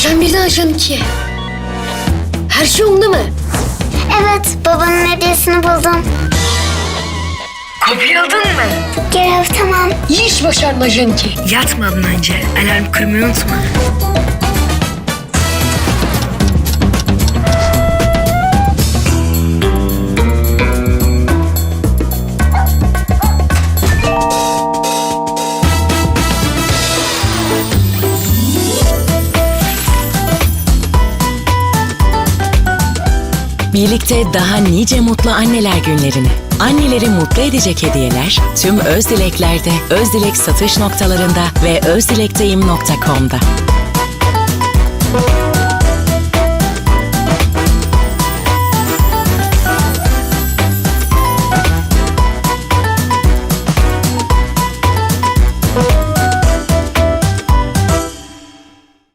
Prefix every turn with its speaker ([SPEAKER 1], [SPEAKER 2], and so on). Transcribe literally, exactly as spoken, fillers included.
[SPEAKER 1] Sen birden ajan iki. Her şey onda mı?
[SPEAKER 2] Evet, babanın hediyesini buldum.
[SPEAKER 1] Kopyaladın mı?
[SPEAKER 2] Görev tamam.
[SPEAKER 1] İyi iş başardın ajan iki.
[SPEAKER 3] Yatmadan önce alarm kırmayı unutma.
[SPEAKER 4] Birlikte daha nice mutlu anneler günlerini. Anneleri mutlu edecek hediyeler tüm Özdilek'lerde, Özdilek satış noktalarında ve özdilekteyim nokta com'da.